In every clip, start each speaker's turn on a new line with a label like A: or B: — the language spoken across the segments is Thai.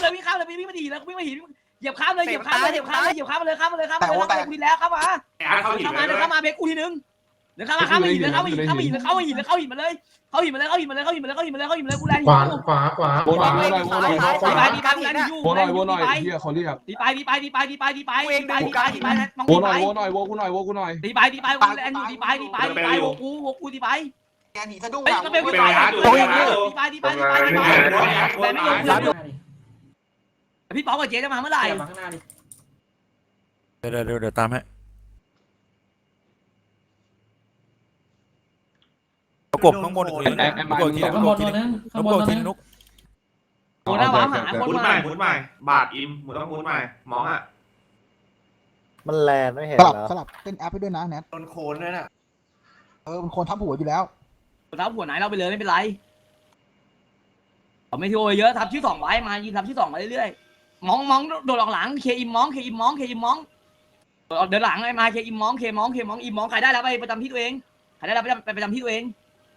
A: เลยวิ่งข้ามเลยวิ่งมาดีแล้ววิ่งมาหินเหยียบข้ามเลยเหยียบข้ามเลยเหยียบข้ามเลยเหยียบข้ามเลยข้ามเลยข้ามเลยข้ามเลยกูดีแล้วเข้ามาเข้ามาเดินเข้ามาเบรกกูทีนึงเดินเข้ามาข้ามมาหินเลยเข้ามาหินเข้ามาหินเข้ามาหินเข้าหินมาเลยเข้าหินมาเลยเข้าหินมาเลยเข้าหินมาเลยเข้าหินมาเลยเข้าหินมาเลยกูแรงอยู่
B: ขวา
A: วนหน่อยวนหน่อยวนหน่อยเฮียเขาเรียกดีไปมองวนหน่อยวนกูหน่อยดีไปกูแรงอยู่ดีไปกูดีไป
C: แกหนีสะดุ้ง
A: เฮ้ยก็เป็นดีไปแต่ไม่ยอมพี่ป๊อกกับเจ๊จะมาเมื่อไหร่
D: เดี๋ยวตามให้กบข้างบนอีกทีกบทีนึงกบทีนึงนุ๊ก
A: หมุนหน้าว้าหาคน
E: หมุน
A: มา
E: ใหม่บาทอิมหมุนต้องหมุนใหม่มองอ่ะ
F: มันแลนไม่เห็น
C: สลับเต้นแอปไปด้วยนะแนท
E: โดนโคนด้วยน่ะ
C: มันโคนทับหัวอยู่แล้ว
A: ทับหัวไหนเราไปเลยไม่เป็นไรไม่ที่โอยเยอะทับชื่อ2ไว้มายิงทับชื่อ2มาเรื่อยๆมองโดดออกหลังเคอิมมองเดินหลังไอ้มาเคอิมมองอิมมองใครได้แล้วไปประจำที่ตัวเองใครได้แล้วไปประจำที่ตัวเอง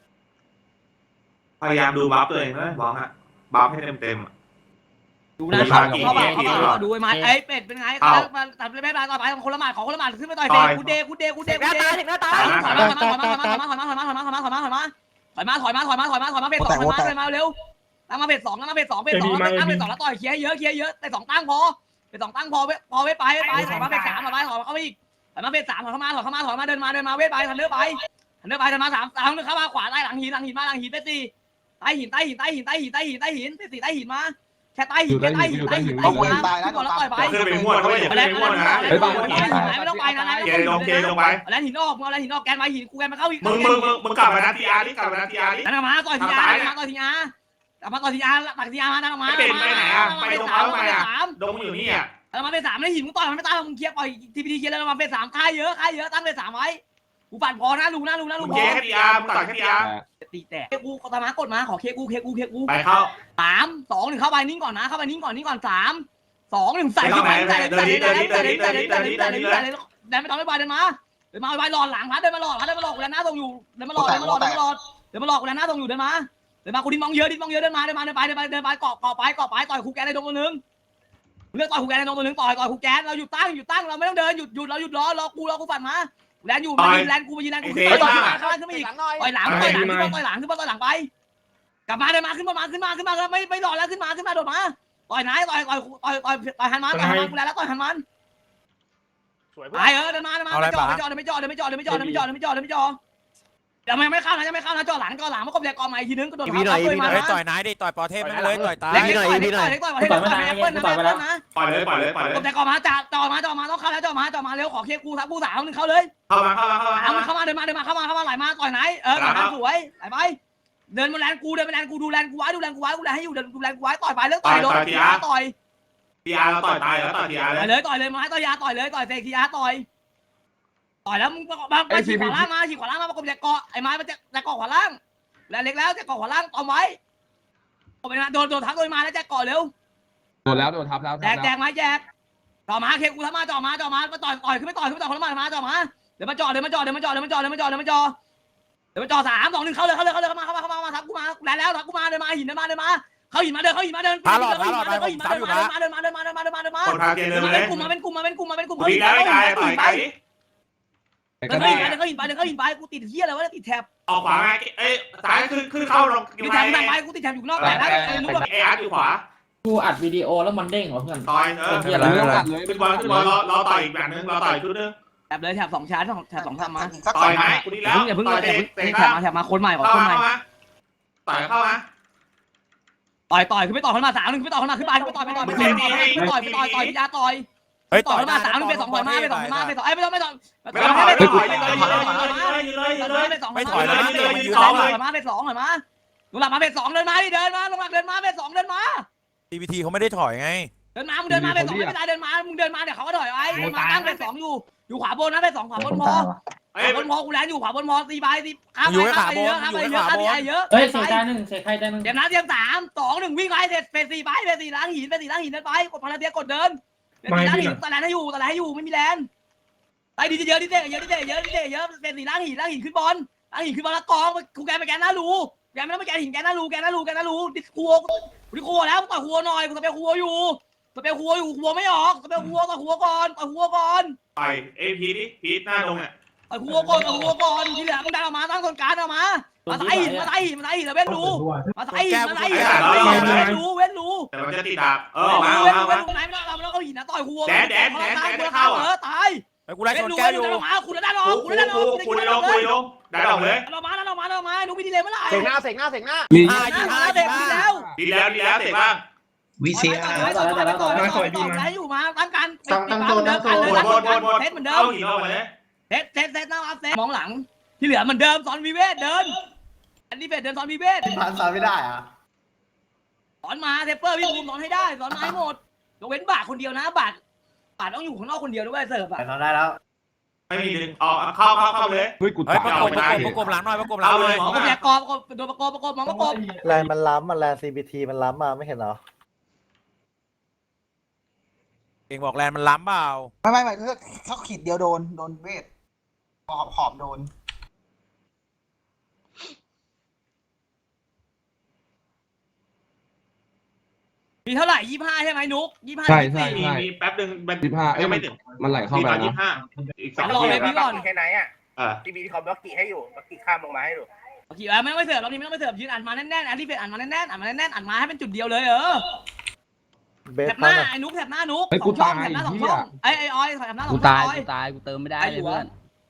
E: พยายามดูบัฟตัวเองนะมองอ่ะบัฟให้เต็ม
A: ดูนะเขาดูไอ้มาไอ้เป็ดเป็นไงเขาตัดแม่ปลาต่อไปคนละหมาดของคนละหมาดขึ้นไปต่อยเฟกูเดถอยมาเฟส2มาเร็วตั้งมาเฟส2เฟส2แล้วต่อยเคลียร์เยอะแต่2ตั้งพอเฟส2ตั้งพอไปถอยมาเฟส3มาไปถอยเข้าไปอีกถอยมาเฟส3ถอยเข้ามาเดินมาเวทไปทันเลือไป3เข้ามาขวาใต้หลังหินมาหลังหินเฟส4ใต้หินเฟส4ใต้หินมาแค่ใต้หิน
C: เอาคนตายแล้ว
A: แล้วต่อยไป
E: ขึ้นไปม้วนด้วยอย่าขึ้นไปม้วนนะ
A: ไม่ต้องไปนะ
E: เคลงไป
A: แล้วหินออกแล้วหินออกแกนไปหินกูแกนมาเข้าอีก
E: มึงกลับมานาทีอาร์ดิกลับมานาทีอาร์ดิ
A: นั่งมาต่อยทีอาร์ตักทีอาร์มานั่งมา
E: เป็นไปไหนอ่ะไปตรงเขาไปอ่ะดงอยู่นี่อ่ะ
A: มาเป็น3แล้วหินมึงต่อยมันไม่ตายมึงเคลียร์ปล่อยทีพีดีเคลียร์แล้วมาเป็น3ค่ายเยอะตั้งเป็น3ไว้กูปั่นพอนะลุงพอ
E: เคทีอาร์มึงต่อยเคทีอาร์
A: ตีแตกกูตามากดมาขอเคกู
E: ไปเข้า
A: 3 2 1เข้าไปนิ่งก่อนนะเข้าไปนิ่งก่อน3 2 1ใส่เดินไม่ต้องไม่ไปเดินมาไปหลอดหลังพัดเดินมาหลอดกูแล้วหน้าตรงอยู่เดินมาหลอดกูแล้วหน้าตรงอยู่เดินมากูดิ้นมองเยอะเดินมาไปเกาะไปต่อยคูแกนในตรงนึงเลือกต่อยคูแกนในตรงนึงต่อยคูแกนเราหยุดตั้งเราไม่ต้องเดินหยุดเราหยุดรอกูปั่นมาแลนอยู่มายิงแลนกูต่อยข้างล่างขึ้นมาอีกต่อยหลังขึ้นไปกลับมาเดินมาขึ้นมาไม่รอแล้วขึ้นมาโดดมาต่อยไหนต่อยหันมากูแล้วต่อยหันมันไปเดินมาไม่จอดยังไม่เข้านะจอดหลังมาครบแรกกองใหม่ทีนึงก็โดนเขา
D: ต่อยนายดิต่อยปอเทพมันเลยต่อยตา
A: ต่อยปล่อยเลยครบแรกกองมาจอมาต้องเข้าแล้วจอมาเร็วขอเคกู3 นึงเข้าเลยเข้ามาเดินมาเข้ามาไหลมาต่อยไหนสวยไหลไปเดินมาแลนกูดูแลนกูไว้กูแลนให้อยู่ดูแลนกูไว้ต่อยไปเลิกต่อยโดนทีอาร์ต่อย
E: เราต่อยตายแล้วต่อยทีอาร์
A: เลยต่อยเลยมาต่อยยาต่อยเลยต่อยเซคีอาร์ต่อยแล้วมึงมาฉีกขวาล่างมาประกบแจกเกาะไอ้ไม้มาแจกเกาะขวาล่างแล้วเล็กแล้วแจกเกาะขวาล่างต่อไว้โดนทับโดยมาแล้วแจกเกาะเร็ว
B: โดนทับแล้ว
A: แจกไม้แจกต่อมาเคกูทำมาต่อมาต่อยขึ้นไม่ต่อยคนละมาต่อมาเดี๋ยวมาจอ3 2 1เข้าเลยทับกูมาแล้วทับกูมาเดินมาหินเข้าหินมาเดิน
E: คนพาเกเดินเลย
A: วิ่ง
E: ได้ต่อยไกล
A: เดินเข้าหินไปกูติดเหี้ยอะไรวะติดแถบ
E: ออกขวาไงซ้ายขึ้นเข้าลง
A: ติดแถบไปกูติดแถบอยู่นอกแต่แล้ว
E: อาร์อยู่ขวา
F: กูอัดวิดีโอแล้วมันเด้งเหรอเพื่อน
E: ต่อยขึ้นบอลรอต่อยอีกแบบนึงรอต่อยชุดนึง
A: แถบเลยแถบ2ชั้นแถบ2ทำมา
E: ต่อยไหมกูดีแล้ว
A: อย่าเพิ่งแถบมาคนใหม่ต่อย
E: เข้ามา
A: ต่อยขึ้นไปต่อขึ้นมา3 1ขึ้นไปต่อขึ้นมาขึ้นไปต่อยยาต่อย
D: เฮ้ย
A: ต่อยมา3 1เป็น2ถอยมาเป็น2มาเป็น2ไม่ต้องไม่ถอยมาเป็น2ถอยมาลงหลับมาเป็น2เดินมาดิเดินมาลงหลับเดินมาเป็น2เดินมา
D: TPT เขาไม่ได้ถอยไง
A: เดินมามึงเดินมาเป็น2ไม่เป็นไรเดินมามึงเดินมาเดี๋ยวเขาก็ถอยไว้เดินมาตั้งเป็น2อยู่ขวาบนนะเป็น2ขวาบนพอกูแลนอยู่ขวาบนพอตีไปตีข้ามไปเยอะ
F: เฮ้ยเสียใจนึงเสียใครใจนึง
A: เดี๋ยวนะเตรียม3 2 1วิ่งไปเสร็จเฟส4ไปเฟส4ล้างหินเดินไปกดพลังเตียกดเดินเฟส4ล้างหินตะแลนให้อยู่ไม่มีแลนไปดีเยอะเฟส4ล้างหินขึ้นบอลแล้วกองกูแกไปแกนหน้ารูแกไม่ต้องไปแกนหินแกนหน้ารูดิสกูกูครัวแล้วต่อยครัวหน่อยกูสเปรย์ครัวอยู่ครัวไม่ออกสเปรย์ครัวต่อยครัวก่อน
E: ไปเอพีดิพีทหน้าตรงอ่ะ
A: ต่อยครัวก่อนที่เหลือมึงดันออกมาตั้งคนกลางออกมาใส่แล้วเว้นรูมาใส่เว้นรู
E: แต่มันจะติดดาบมา
A: เว้นรูไหนไม่ต้องเราเอาหินนะต่อยครัวเข้าตาย
D: ไอ้กูไล่ชนแก้วอยู่
A: มาคุณดันออก
E: คุยลงได้ออกเลย
A: เรามาดูวิดีเลยเมื่อไหร่
F: เสกหน้า
B: มี
A: เด็กแล้ว
E: ดีแล้วเสร็จบ้าง
G: วิเซีย
A: ต่อยอยู่มาตั้งการตั้งตัวเซตเหมือนเดิม
E: เอาหินออกมาเลย
A: เซตหน้าเซตมองหลังที่เหลือเหมือนเดิมสอนวิเวทเดินอันนี้เดินสอนวิเวท
F: ผ่านสายไม่ได้อ่ะ
A: สอนมาเทปเปอร์พี่ภูมิสอนให้ได้สอนมาให้หมดยกเว้นบาทคนเดียวนะบาทต้องอยู่ข้างนอกคนเดียวด้วยเสิร์ฟอ่ะ
F: เราได้แล้ว
E: ไม่มีดึงออกเข้าเลย
B: เฮ้ยกู
D: เฮ้ย
B: ตาย
D: ประกบหลังหน่อยประกบหลังเลย
A: มองก็แผลกอบโดนประกบมองประกบ
F: แรงมันล้ำมันแรง CBT มันล้ำมาไม่เห็นเหรอ
D: เองบอกแลนมันล้ำเปล่า
C: ไม่เขาขีดเดียวโดนเวทขอบโดน
A: มีเท่าไหร่25ใช่ไหมนุ๊ก25
B: ใช่
E: มีแป๊บนึง
B: 15
E: ยังไม่ถึง
B: มันไหลเข้าไป
E: มี
B: นะ
E: 25อีก
A: รอเลยพี่ก่อน
H: แค่ไหนอ่ะที่มีคอมบล็อกกี้ให้อยู่บล็อกกี้ข้ามลงมาให้ดู
A: โอเคไม่ต้องไปเสิร์ฟรอบนี้ไม่ต้องไปเสิร์ฟยืนอัดมาแน่นๆอันที่เป็นอัดมาแน่นๆอัดมาให้เป็นจุดเดียวเลย
F: เบส
A: แถบห
F: พั
A: น้าน ไอ้นุ๊กแถบหน้านุ๊ก
B: เฮ้ยกู
A: ช่อง
B: ตาย
A: แถบหน้า2
B: เหี้
A: ช่
B: ย
A: องไอ้ออยแถบหน้า2
I: กู
A: ช่อง
I: ตายกูเติมไม่ได้เลยเพื่อน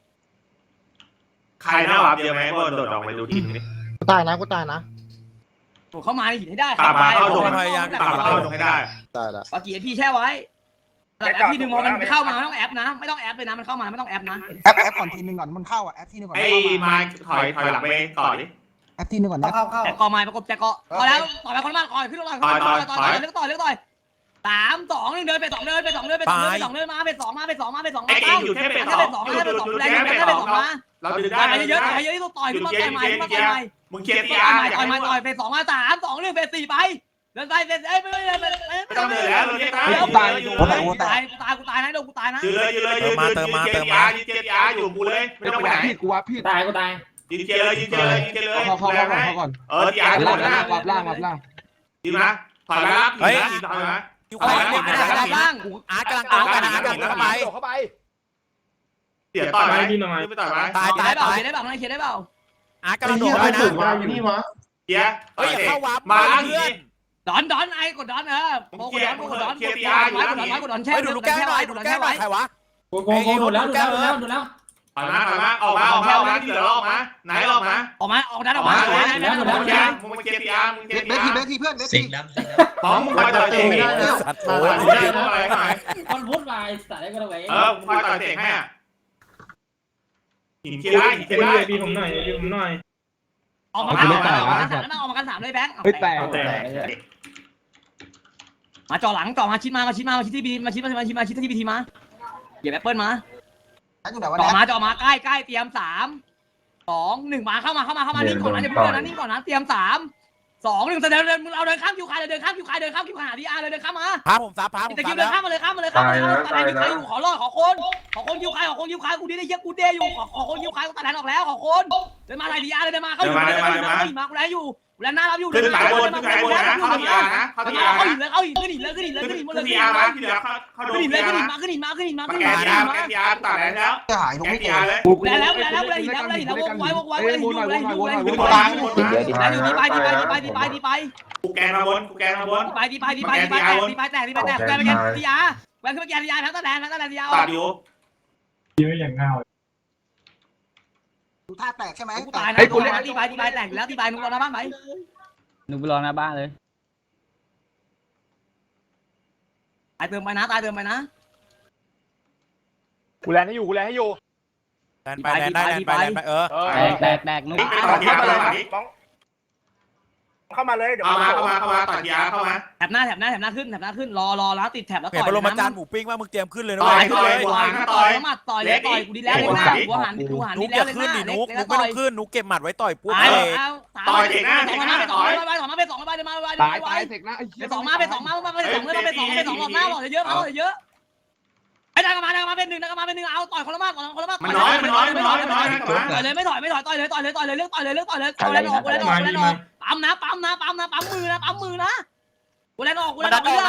E: ใครหน้าวับเยอะไหมก็โดดออกไปดูทีนี้
F: กูตายนะ
A: เข้ามาในหินให้ได้
E: ตามมาเข้าตรงให้ได้
F: ตายละ
A: ปากีพี่แช่ไว้แอปที่หนึ่งมองมันเข้ามาไม่ต้องแอปนะไม่ต้องแอปเลยนะมันเข้ามาไม่ต้องแอปนะ
C: แอปก่อนทีนึงก่อนมันเข้าแอปทีนึงก่อน
E: ไอ้มาถอยหลังไปต่อดิ
C: แอปทีนึงก่อนนะ
F: เข้า
A: แต่กอไม้ประกบแต่กอพอแล้วต่อยไปคนละมากต่อยขึ้นต่อยเลือกต่อย3 2 1เดินไป2เดินมาไป2มา
E: ไอ้เองอยู่แค่เป็น2มาเราดึงได้
A: ต่อยเยอะที่ต้องต่อยขึ้นมาต่อยใหม่
E: มึงเคลียร์ที
A: ต่
E: อาร์
A: อยต่อยไป2มา3 2 1ไป4ไปเดินไปเดินไม่
E: ต้องเหนื่อยแล้วเรา
A: กูตายนะโดนกูตายนะ
E: ยืนเลยยืนทีอาร์อยู่กูเลยไม่ต้องไปไหน
B: พี่กูว่าพี่
F: ตาย
E: ยืนเจเลย
B: เข้าก่อน
E: ทีอาร์
B: ล่าง
E: นะ
B: วับล่าง
E: ยืนนะถอยแล้วถอยนะ
D: อยู่ใครเด็กไม่ได้บ้างอาร์ตกำลังเอากันอาร์ตกำลังเข้าไป
E: เดี๋ยวต่อยไหมไม่ต่อยไหม
A: ตายได้เปล่าเขียนได้เปล่า
D: อาร์ตกำลังโดดไปนะ
E: เดี๋ยว
D: เฮ้ยเข้าวับ
E: มาแล้ว
D: เพื่อน
A: ดอนไอ้กดดอนโกดดอนแช่
D: เฮ้ยดูลูกแก้วหน่อยดูลูกแก้วหน่อยใครวะ
F: โกดูแล้ว
E: ถอยมาออกมาที่เหลือออกมาไหนออกมา
A: ออกดันออกมา
E: มึงเคลียร์ทีอาร์มึงเคลียร์ทีอาร์
C: เบสทีเพื่อนเบส
G: เสี
C: ที
G: ยงดำ
E: ของมึงคอยต่อยเตะไม่ได้
D: สัตว์
E: โอ้
D: โอ้
E: ย
D: ย
E: ได้ทำอะไรหน่อย
F: มันพูดมาสายก็เลย
E: มึงคอยต่อยเตะให้หินเคลียร์ได้พี่ผมหน่อย
A: ออกมากัน3เลยแบงค์
B: เฮ้ยแตก
A: มาจ่อหลังจ่อมาชิดที่บีมาชิดที่บีทีมาเหยียบแอปเปิลมา
C: อยู่ไหนวะ
A: จ่อ
C: แน
A: มาใกล้เตรียม3 2 1มาเข้ามานิ่งก่อนนะอย่าเพิ่งเดินนะนิ่งก่อนนะเตรียม3 2 1เดินเราเดินข้ามคิวคายเลยเดินข้ามคิวคายหาดีอาร์เลยเดินข้ามมา
D: พาผมซับพาผม
A: แต่คิ
D: ซั
A: ว
D: บ
A: เดิ
D: แล้
A: น
D: ว
A: ข้ามมาเลยตายอยู่ขอรอดขอคนคิวคายกูดีได้เยอะกูเดอยู่ขอคนคิวคายกูตัดแทนออกแล้วขอคนเดินมาไทยดีอาร์เลยเดินมาเข้าอยู่มากูแลอยู่กูแลหน้ารับอยู่
E: ขึ้นสายบนนะเข้าทีอาร์นะเข้าทีอาร์นะ
A: เข้าหินขึ้นหินหมดเลย
E: ขึ้นทีอาร์มาที่เหลือเข้าโดนทีอาร์นะ
A: ขึ้นหินมา
E: แกทีอาร์ตัดแล้ว
C: จะหายตรง
E: แก
C: นี้
E: ทีอาร์เลย
A: แล้วหินวกไว้หินอยู่ดีไป
E: กูแกนมาบน
A: แตกทีอาร์แกขึ้นไปแกทีอาร์ทั้งตะแลนทีอาร์
E: ตัดอยู่
C: ดูท่าแตกใช่ไหม
A: กูตายนะทีไปแตกแล้วทีไปนุ๊กรอหน้าบ้านไหม
I: หนูไปรอหน้าบ้านเลย
A: ตายเติมไปนะ
H: กูแลนให้อยู่
D: แลนไปแตกนุ๊ก
E: ต่อทีอาร์เลย
H: เข้ามาเลยเดี๋ยว
E: เข้ามาต่อทีอาร์เข้ามา
A: แถบหน้าขึ้นรอแล้วติดแถบแล้ว
D: เห็น
A: ต่อย
D: ปรมาจารย์หมูปิ้งว่ามึงเตรียมขึ้นเลยนะ
A: ต่อยเลยกูดีแล้วเลยกูหัน
D: นุ๊
A: ดี
D: ก
A: แล้
D: อ
A: ว
D: ย่า
A: เลย
D: ขึ้นดินุ๊กไม่ต้องขึ้นนุ๊กเก็บหมัดไว้ต่อยปุ๊บ
E: ต่อยเด็กหน้า
A: ไป2มา
B: ตายเสกนะไอ้เหี้ย
A: ไป2มา2ออกหน้าบอกเยอะไอ้ดังมาเป็น1เอาต่อยคนละมาก
E: มันน้อย
A: ต่อยเลยไม่ถอยต่อยเลยเลือกต่อยเลยเอาแล้วออกปั๊มนะปั๊มมือนะกูแลนออกกูแลนออกมือ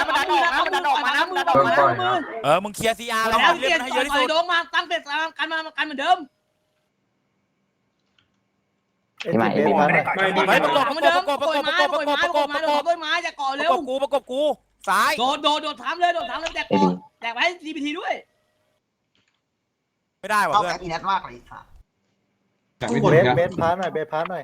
A: มือ
D: มึงเคลียร์ซีอาร์แล้ว
A: แล้ว
D: เล่
A: เกีย
D: น
A: ร์
D: ให้
A: ต่
D: เยอะที่
A: อ
D: สุ
A: ย
D: ด
A: โดงมาตั้งเป็ดกันเหมือนเดิม
F: ไม่
D: ไม่ประกบ
A: เหมือนเดิมต้นไม้จะก่อเร็ว
D: ประกบกูซ้าย
A: โดดถามเลยแจกไว้ GPT ด้วย
D: ไม่ได้ว่ะ
C: เข้า
D: เพื่อ
C: แอน อีนัทมากเลยค่ะ
F: เบสพาร์ทหน่อยเบสพาร์ทหน่อย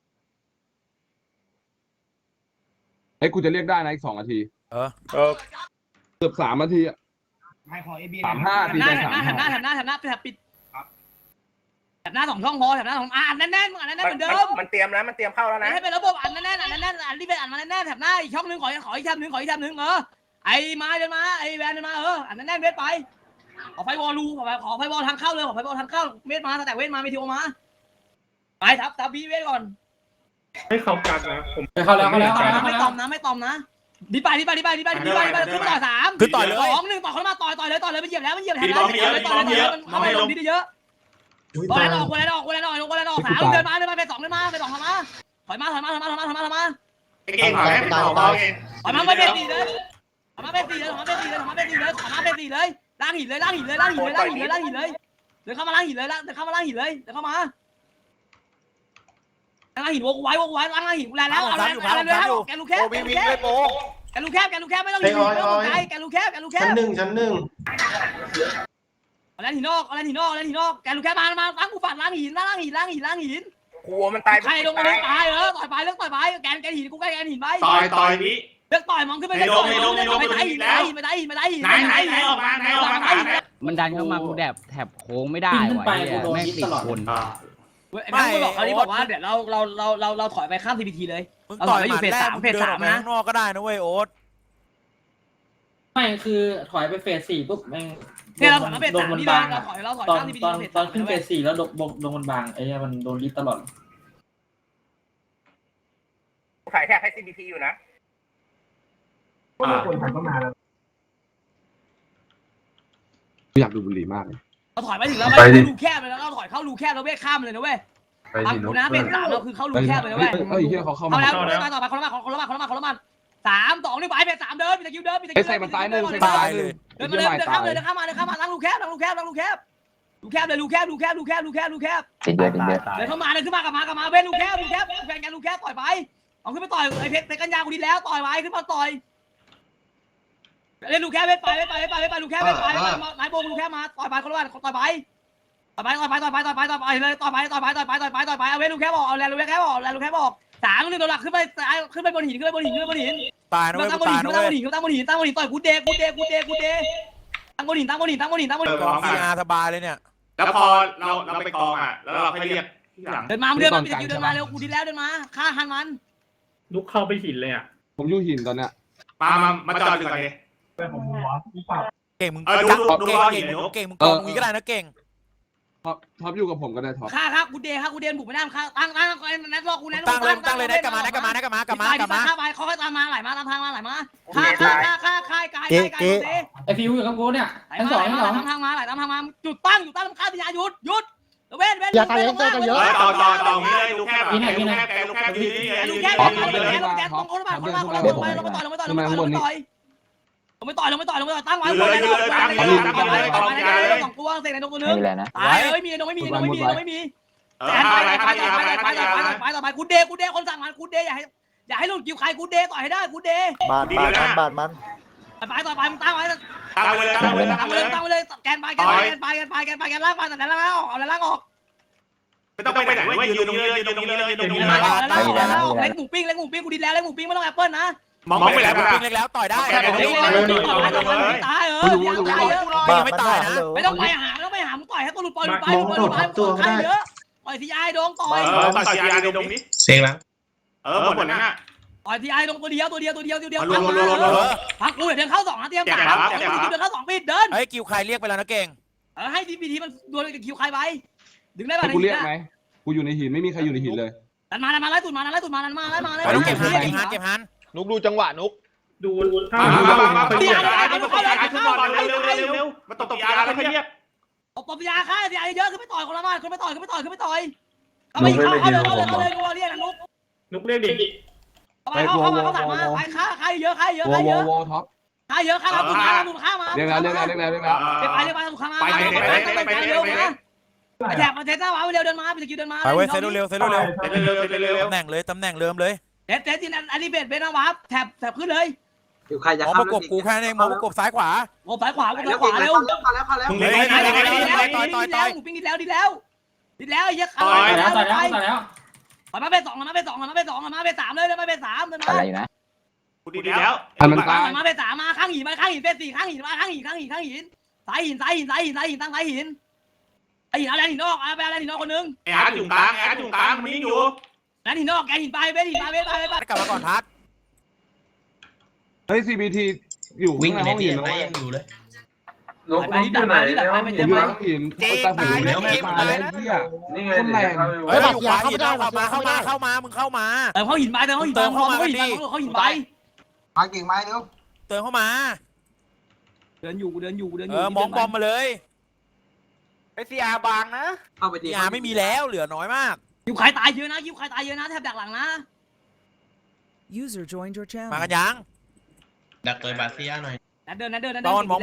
B: เฮ้ยกูจะเรียกได้นะอีก2 นาทีเกือบ3 นาทีอ่ะ
H: ให้ขอ AB
B: 35 ตีใจ
A: แถบหน้าไปแถบปิดแถบหน้า2 ช่องพอแถบหน้า2แน่นเหมือนเดิม
H: มันเตรียมนะมันเตรียมเข้าแล้วนะ
A: ให้เป็นระบบแน่นรีบไปมาแน่นแถบหน้าอีกช่องนึงขออีกแถบนึงไอ้มาเดินมาไอ้แวนเดินมาแน่นเวทไปขอไฟวอลลูขอไฟวอลทางเข้าเลยขอไฟวอลทางเข้าเวทมาแต่เวทมาไม่ทีโอมาไปทับบีเวทก่อน
B: ให้เขากัดนะผม
F: เข้าแล้ว
A: ไม่ตอมนะดีไปขึ้นต่อ3
D: คือต่อยเลย
A: 2 1ต่อเขามาต่อยเลยไปเหยียบแล้วมันเหยียบแทนแล้วต่อยเลยมันเข้าไปลงดีเยอะกูแลนออก3เดินมาไป2เดินมาไป2ทำมาถอยมา
E: เก่งหน่อยต่อเอง
A: ถอยมาไป4เลยถอยมาไป4เลยล้างหินเลยเดินเข้ามาล้างหินเลยเดินเข้ามาล้างหินวกไว้ล้างหินกูแลแล้วแกลูกแคบไม่ต้องหินแกลูกแคบชั้นหนึ่งแล้วหินนอกแกลูกแคบมาล้างกูฝันล้างหิน
H: กลัวมันตาย
A: ใครลงมาตายต่อยไปแกหินกูแกหินไป
E: ต่อยนี้
A: เลือกต่อยมองขึ้นไปเลยไม่ได้หิน
E: ไหนออกมา
I: มันดันเข้ามากูแถบโค้งไม่ได้ว่ะแม่งติดคน
A: แม่บอกเขาที่บอกว่าเดี๋ยวเราถอยไปข้าม CPT เลย
D: มึงต่อยอยู่เฟส 3นะข้างนอกก็ได้นะเว้ยโอ๊ต
F: ไม่คือถอยไปเฟส 4ปุ๊บแม่ง
A: เนี่ยเราถอยมาเฟส 3นี่เลยเราถอยข้าม CPT
F: ตอนขึ้นเฟส 4แล้วโดนบางไอ้เนี่ยมันโดนลิฟตลอด
H: ขายแท็กให้ CBT อยู่นะ
B: อยากดูบุหรี่มากเลย
A: เราถอยไปถึงแล้วรูแคบเลยแล้วเราถอยเข้ารูแคบแล้วเว้ยข้ามเลยนะเว้ยฟังกูนะเฟส 3เราคือเข้ารูแคบเลยนะเว้ย
B: เฮ้ยเฮียเขาเข้า
A: เอา
B: มา
A: แล้วต่อไปคนละมา3 2 1ไปเฟส 3เดินมีตะคิวเดินเดินเข้ามาล้างรูแคบรูแคบเลยรูแคบเดินเข้ามาเลยขึ้นมากลับมาเว้ยรูแคบแฟนกันรูแคบต่อยไปเอาขึ้นไปต่อยไอ้เพชรกัญญากูดีแล้วต่อยไว้ขึ้นมาต่อยเล่นลูกแค่ไปลูกแค่ไปนายโบลูกแค่มาต่อยไปคนละวันต่อยไปเลยต่อยไปเอาเว้นลูกแค่บอกเอาแลนลูกแค่บอก3 1โดนหลักขึ้นไปบนหิน
D: ตายนะเว้ย
A: ตั้งบนหินต่อยกูเดตั้งบนหิน
D: ซีอาร์สบายเลยเนี่ย
E: แล้วพอเราไปกองอ่ะแล้วเราให้เรียกที่หลัง
A: เดินมาเร็วกูดีแล้วเดินมาฆ่าหันมัน
B: ลุกเข้าไปหินเลยอ่ะผมอยู่หินตอนเนี้ย
E: มาจอดอยู่ก่อนดิ
D: เก่งมึงเก่งมึงกองมึงก็ได้นะเก่ง
B: ท็อปอยู่กับผมก็ได้ท็อป
A: ฆ่ากูเดบุกไม่ได้ฆ่าตั้งนัดรอกูนัด
D: ตั้งเลยได้กลับมา
A: ฆ่าไปเขาตามมาไหลมาตามทางมาไหลมาฆ่ากาย
F: ไอฟิวอยู่กับกูเนี่ยทั้ง 2
A: ตามทางมาไหลตามทางมาจุดตั้งฆ่าพิญญาหยุดเว้นต่อนี้เลย
E: ลูกแคบแกลูกแคบยืนนี่
A: ลูกแคบตรงคนละบ้านลงไปต่อยตั้งไว้2 ตัวเสกในตรงตัวนึงตายไม่มีไม่มีไปกูเดคนสั่งมันกูเดอย่าให้หลุดกิ้วใครกูเดต่อยให้ได้กูเด
F: บาดมัน
A: ไปต่อไปมึงตั้งไว้เลยแกนไปล่างไปแต่ล่างออกเอาล่างออก
E: ไม่ต้องไปไหนเว้ยยืนตรงนี้เลยเ
A: ล็กหมูปิ้งกูดีแล้วเล็กหมูปิ้งไม่ต้องแอปเปิ้ลนะ
E: มองไปแล้ว
D: เล็กแล้วต่อยได้
A: ตาย
D: ไม่ตายนะ
A: ไม่ต้องไปหามึงต่อยให้ตัวหลุดปล่อยใครเยอะปล่อยทีไอโดงต่อย
E: ต่อยยาตรงนี้เซ็งแล้วหมดนั้นน่ะ
A: ต่อยทีไอโดงตัวเดียวพักกูเดินเข้า2นะเตรียม3เดินเข้า2ปิดเดิน
D: เฮ้ยคิวใครเรียกไปแล้วนะเก่ง
A: ให้ดีพีทีมันดวลกับคิวใครไปดึงได้ป่ะ
B: กูเรียกไหมกูอยู่ในหินไม่มีใครอยู่ในหินเลย
A: ดันมาไล่ตุ่นมาเลย
D: เก็บฮัน
B: นุกดูจังหวะนุกดู
E: มาตบยาแล้วเรียก
A: ตบยาค่ายาเยอะขึ้นไปต่อยคนละมาขึ้นไปต่อยเอาไปเข้าเลยเรียกนุก
B: นุกเรียกดิ
A: เข้ามาไปฆ่าเยอะ
B: โวท็อป
A: ฆ่าเยอะฆ่าแล้วบุกฆ่ามา
B: เรียกแล้ว
A: ไปถูกฆ่ามาไปแถบมาเทสหน้าวะเร็วเดินมาไปสกิลเดินมา
D: ไปเว้ยเซตเร็ว
E: เร็ว
D: ตำแหน่งเริ่มเลย
A: เทสจินอันนี้เบสนะวะแถบขึ้นเลย
C: อยู่ใครจะ
D: มองประกบกูแค่นี้มองประกบซ้ายขวา
A: โอ้ซ้ายขวาเร็ว
C: เข้าแล้ว
E: มึง
A: ดี
E: เล่น
A: แล้วหมูปิ้งดีแล้วไอ้เหี้ย
F: ต่อยแล้ว
A: มาเป็น2มาเป็น3เลยมาเป็น3เลยมา
I: อะไรอยู่นะ
E: กูดีแล้ว
B: มันตาย
A: มาเป็น3มาข้างหินเป็น4ข้างหินมาข้างหินสายหินตั้งสายหินไอ้หินอะไรหินนอกไปอะไรหินนอกคนนึง
E: ไอ้อาร์ตอยู่กลางมันนี่อยู่
A: แล้วหินนอกแกหินไปไป
D: กลับมาก่อนทัด
B: เฮ้ย CBT อยู่ข้างในห้องหินนะ
A: ไปที่ดักไป
B: อยู่ในห้องหินแต่ผมอยู่แล้วตายเหี้ยคนแรง
D: เฮ้ยอยู่ขวาหินเข้ามามึงเข้ามา
A: เขาหินไปเขาหินไปเขาหินไป
C: มากิ่งไม้เร็ว
D: เติมเข้ามา
A: เดินอยู่
D: มองบอมมาเลย
H: ไอซีอาบางนะ
C: เข้าไปดี
D: ยาไม่มีแล้วเหลือน้อยมาก
A: คิวใครตายเยอะนะแทบดักหลังนะ
G: User joined your channel.
D: มากันยัง
J: ดักตัวบาเซียหน่อย
A: เดิน
D: มา
A: เดิน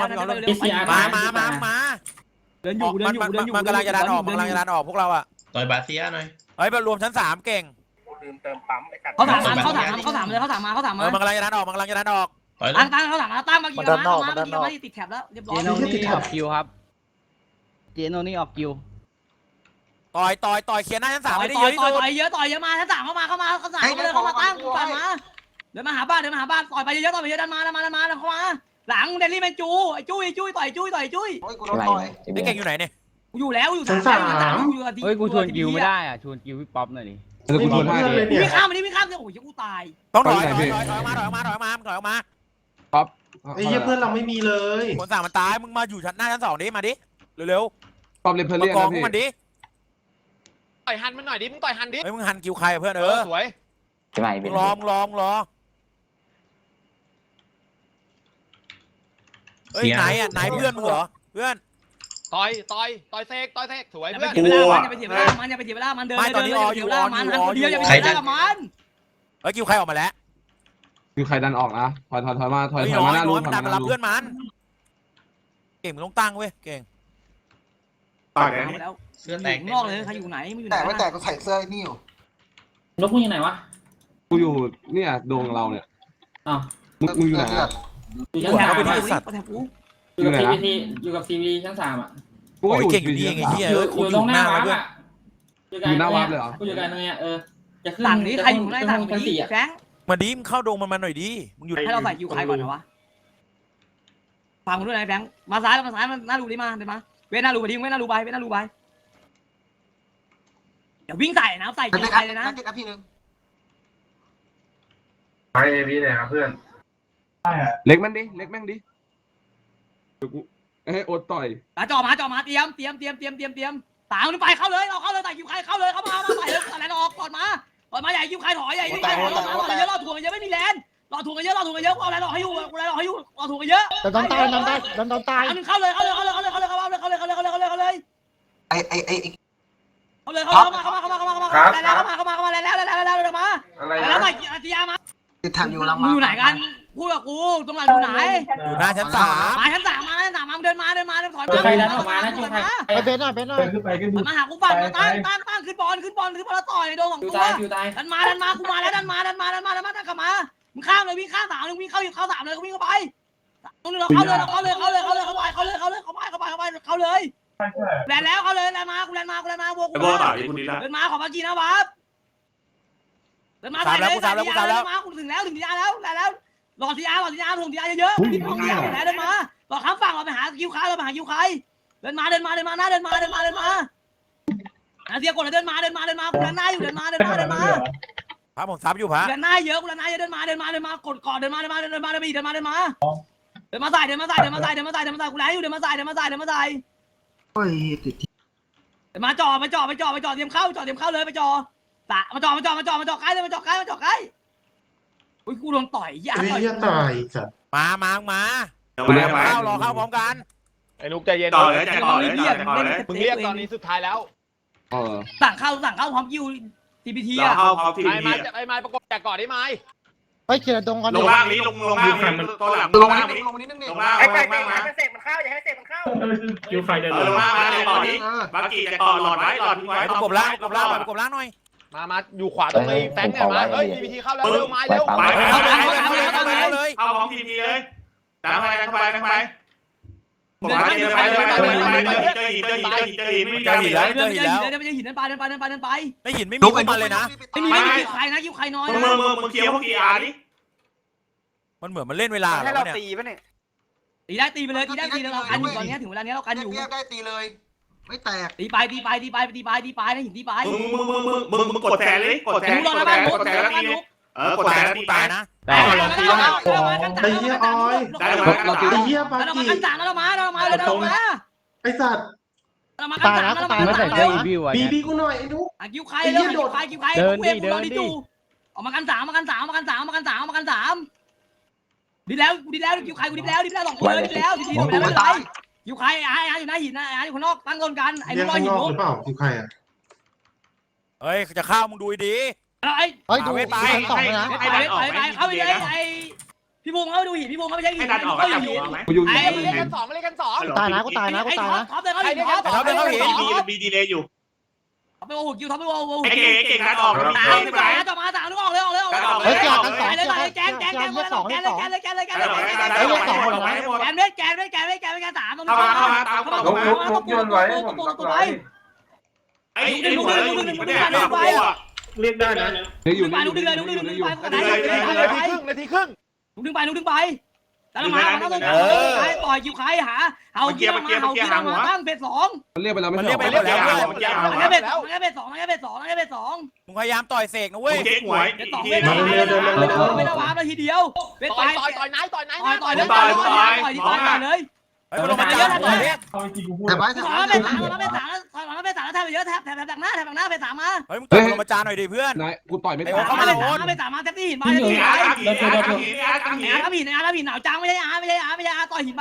A: อยู่
D: มันกำลังจะดันออกพวกเราอ่ะ
J: ตัวบาเซียหน่อย
D: เฮ้ยมารวมชั้น3เก่ง
H: ลืมเติมปั๊มไอ้สัตว์
A: เขาถามมา
D: มันกำลังจะดันออก
J: ต่อยเลย
A: ตั้งเขาถามมาตั้งมากี่มาติดแถบแล้วเรียบร้อย
I: เจโนนี่ออกคิวครับเจโนนี่ออกคิว
D: ต่อยเคลียร์หน้าชั้น3ให้ได้
A: ต่
D: เย
A: อ
D: อะที่สุด
A: ยเยอะมาถ้าสั่งเข้ามาเข้ามาตั้งปั่นมาเดินมาหาบ้านต่อยไปเยอะดันมาเข้ามาหลังเดลี่แมนจูไอ้จุ้ยต่อยจุ้ย
C: โอ้ยกูโดนต่อย
D: ไอ้เก่งอยู่ไหนเนี่ย
A: อยู่แล้วอยู่3
I: เฮ้ยกูชวนคิวไม่ได้อ่ะชวนคิวพี่ป๊อปหน่อยดิ
B: เดี๋ยวกูชวนให้
A: วิ่งข้ามโอ้ยกูตาย
D: ต้องถอยออกมา
B: ป๊อป
E: ไอ้เหี้ยเพื่อนเราไม่มีเลย
D: คนสั่งมันตายมึงมาอยู่ชั้นหน้าชั้น2ดิมาดิเร็ว
B: ป๊อปเลเพ
D: ๆ
B: เลียน
D: กอง
B: นะพี่
D: มันดิ
H: ต่อยหันมันหน่อยดิมึงต่อยหันดิ
D: เฮ้ยมึงหันคิวใครเพื่อน
H: สวย
I: ใช่ไหม
D: มึงรอเฮ้ยไหนเพื่อนมึงเหรอเพื่อน
H: ต่อยเซกสวย
A: อย่า
H: เพื่อน
A: ไปเสียเวลามันอย่าไปเสียเวลามันเดินมันเดียวอย่าไปเสียเวลากับมัน
D: เฮ้ยคิวใครออกมาแล้ว
B: คือใครดันออกนะถอยมาถอย
D: น้
B: มาหน้า
D: อย
B: รู
D: มันดันมารับเพื่อนมันเก่งมึงต้องตั้งเว้ยเก่ง
E: ต่อยนะ
A: แล้ว
J: เสื้อแตก
A: นอกเลยใครอยู่ไหนมึงอยู่ไหน
C: แต่ไม่แต่กูใส่เสื้อนี่อยู่
F: นกมึงอยู่ไหนวะ
B: กูอยู่เนี่ยดวงเราเนี่ย
F: อ้าว
B: มึงอยู่ไหน
F: อยู่ชั้น
A: แถ
F: 3
A: บ
F: อยู่กับซีวีชั้น3อ่ะ
B: กู
D: โอ้ย
B: อยู่
D: เก่งอยู่นี่เองไอ้เหี้ย
F: อยู่ตรงหน้าวัดอ่ะ
B: อยู่หน้าวัดเลยเหรอ
F: กูอยู่กันตรงเนี้ยจะขึ้น
A: สั่งนี้ใครอยู่ในสั่ง
F: ชั้น
A: นี้
F: 4อ่ะ
A: แฟง
D: มาดิมเข้าดงมันหน่อยดิมึงอยู่
A: ให้เราใส่คิวใครก่อนนะวะฟังกูด้วยนะแฟงมาซ้ายมันหน้ารูดิมาเดินมาเว้นหน้ารูไปดิเว้นหน้ารูไปเดี๋ยววิ่งใส่นะใส่คิวใครเลยนะ
C: นักพี่นึง
E: ไปพี่เนี่ยครับเพื่อน
B: เล็กแม่งดิกูอดต่อย
A: จ่อมาเตรียมตามขึ้นไปเข้าเลยเราเข้าเลยใส่คิวใครเข้าเลยเข้ามาใส่เลยอะไรออกก่อนมาใหญ่คิวใครถอยใหญ่เยอะรอถ่วงเยอะไม่มีแรงรอถ่วงเยอะเอาอะไรรอให้อยู่รอถ่วงเยอะโดนตายอันนึงเข้าเลยไอ้เข้าเลยเข้ามาแล้วมาตียามา
C: ติดแถบอยู่ลัง
A: มึงอยู่ไหนกันพูดกับกูตรงไหนอยู่ไหน
D: อยู่หน้าชั้น3
A: มาชั้น3มาเดินมาถอยมา
F: ใครดันออกมานะจุ๊บใคร
C: ไปเบนหน่อย
A: มาหากูปั่นตั้งขึ้นบอลแล้วต่อยโดนของ
F: อยู่
A: ตัว
F: ตาย
A: ดันมากูมาแล้วดันมาตั้งกลับมามึงข้ามเลยวิ่งข้าม3วิ่งเข้า3เลยวิ่งเข้าไปตรงนี้เราเข้าเลยเข้าเลยแลนแล้วเข้าเลยแลนมากูแลนมาบวก
E: ไอ้โบต่อยคุณดีแล้ว
A: เดินมาขอมากินนะวับเดินมาใส่เลยมากูถึงทีอาแล้วรอทีอาส่งทีอาเยอะๆทีอาไหนเดินมารอข้ามฝั่งเราไปหาคิวใครเดินมาหน้าเดินมาเสียกดเลยเดินมากูแลนหน้าอยู่เดินมา
D: พระผมซับอยู่พระ
A: กูแลนหน้าเยอะเดินมากดก่อนเดินมาใส่กูแลนอยู่เดินมาใส่
C: โอ้ยติด
A: มาจ่อเตรียมเข้าเลยไปจ่อมาจ่อใกล้เลยมาจ่อใกล้อุ้ยกูโดนต่อยยาต่อย
D: มา
E: กูเรียกไป
D: รอเข้าพร้อมกัน
H: ไอ้นุกใจเย็น
E: ต่อเลย
H: มึงเรียกตอนนี้สุดท้ายแล้ว
A: สั่งเข้าพร้อมคิว TPT
E: เรา
A: อ่ะ
E: เข้าพร้อมที
H: ไอ้ไม้ประกบจากก่อนได้ไหม
E: ไปเขียนตรงกันลงล่างนี้ลงล่างนี้ตัวหลังลงล่างนี้
C: ลงมานิดนึงดิ
E: ลงล่าง
H: ไอ้
E: ล
H: ไก่
E: งล่างมา
H: ให้เสกมันเข้าอย่าให้เสกมันเข้า
E: คิวไฟเดินลงล่างมาในบ่อนี้บักกี้จะต่อหลอดไว้หลอดทิ้งไว้
D: ประกบล่างประกบล่างประกบล่างหน่อย
K: มาอยู่ขวาตรงไอ้แฟงเนี่ยมาเฮ้ย DPT เข้าแล้วเร็วมาเร็ว
E: ไป
D: เข้าเลย
E: เอาของทีพีเลยตามไปตามไปตามไปผมมาเดินไปเจอหินไม่มีการหินแล้ว
A: เดินไปหินเดินไปเดินไปเดินไปเดินไป
D: ไม่หินไม่มีพวกมันเลยนะ
A: ไม่มีไม่มีใครนะคิวใครน้อย
E: มึงเคลียร์พวกกีอาร์ดิ
D: มันเหมือนมันเล่นเวลา
K: ให้
D: แล้ว
K: เรา
D: เนี่ย
K: ตีป่ะเนี่ย
A: ตีได้ตีไปเลยตีได้ตีเรากันอยู่ตอนนี้ถึงเวลานี้เรากันอยู่
C: เรียกได้ตีเลย ไม่แตก
A: ตีไปตีไปตีไปตีไปตีไปนะหินตีไป
E: มึงกดแทนเลยกดแทน
A: ลุกรอนะบ้านลุก
E: กดแทนแล้ว
A: บ้าน
E: ตี
A: ลุก
E: กดแทนแล้วตี
D: ตายนะ
I: แต่
A: เรามากันสาม
E: ได้
A: เรามากันสามแล้วเรามาเลยเรามา
E: ไอ้สัตว์
A: เรามากันสามแล้วเรามา
I: ไม่ใส่เสื้ออีวิวอ่ะ
E: บีกูหน่อยไอ้นุ๊ก
A: คิวใครเลยคิวใครคิวใครออกมากันสามมากันสามมากันสามมากันสามมากันสามดีแล้วคิวใครกูดีแล้วสองคนเลยดีแล้วดีแล้วไม่เป็นไรคิวใครอยู่หน้าหินอยู่ข้างนอกตั้งต้นกันไอ้ลูกหินลุก
D: เฮ้ยจะเข้ามึงดูดี
A: ไอ้
D: เฮ้ยดูไป
A: ไอ้เข้าไปเลยไอ้พี่พงษ์เขาดูหินพี่พงษ์เขาไม่ใช่หิน
E: ให้ดันออกก็จับหัวไหม
B: กูอยู่
K: เล่นกันสองเล่นกันสอง
A: ตายนะท็อปเลยเขาหินท็อป
E: บีดีเลยอยู่
A: ไปโอ้โหคิวท็อปไปโอ้โห
E: ไอ้เก่งดันออก
A: สามไปต่อมาสามนึกออกเลยแกนเลยแกนเลยแกนเลยแกนเลยสามตรงนี้ไป
E: ไอ้ลูกเนี่ยเรียกได้นะ
B: อยู่
A: ไปลูกดึงเลย
K: นาทีครึ่ง
A: ลูกดึงไปแต่ละมาต้องต่อยคิวใครหาเอาเกียร์มาตั้งเฟสสอง
B: มันเรียกไปแล้วไม่
D: มัน
B: ใช่
D: เรียก
B: หรอ
D: ไปแล้ว
A: งั้นเฟสสอง
D: มึงพยายามต่อยเสกนะเว้ย
E: เจ๊หวย
A: เฟสสองไม่ได้วาร์ปเลยทีเดียวเฟส
K: ต่
A: ต่
K: อ
A: อย ย
K: นายต่อยนาย
A: ต่อยเลย
D: เฮ้ยมันลงมาเยอะนะต่อยเนี่ย
C: แต่ไว้
A: ถอยมาเฟสสามแล้วแทบไปเยอะแทบดักหน้าเฟสสามมา
D: เฮ้ยมึงต่อยลงมาจานหน่อยดิเพื่อน
B: นายกูต่อยไม่
A: เฟ
B: ตาย
A: สสามมาแทบที่หินไปหินหนาวจังไม่ใช่ต่อยหินไป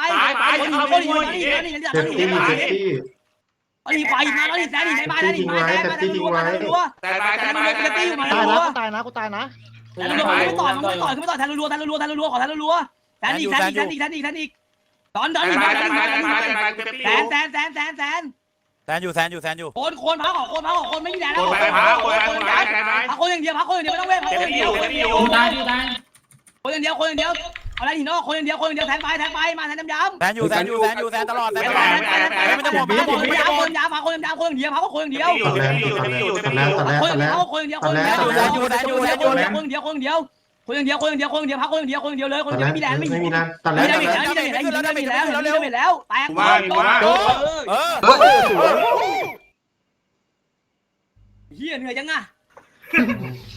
A: หินไฟมาแล้วหินแซนหินในบ้านแล้วหินมาแซนมารัว
E: แต่ตาย
A: แต่ตีอยู่มารัวแต่รัวไม่ต่อยแทนรัวขอแทนรัวแทนอีกตอนอีกแซน
D: อยู่
A: โคนพักคนไม่มีแรงแล้ว
E: ไปพักคน
A: พักคนอย่างเดียวไม่ต้องเว้นคนอย่างเดียวอะไรหินนอกคนอย่างเดียวแทนไปมาแทนย้ำ
D: แซนอยู่ตลอดไม่ต้องห่วง
A: คนยาวพักคนอย่างเดียวคนอย่างเดียวพักคนอย่างเดียวเลยคนเดียวไม่มีแรงไม่มีแล้วแตกเฮียเหนื่อยจังอ่ะ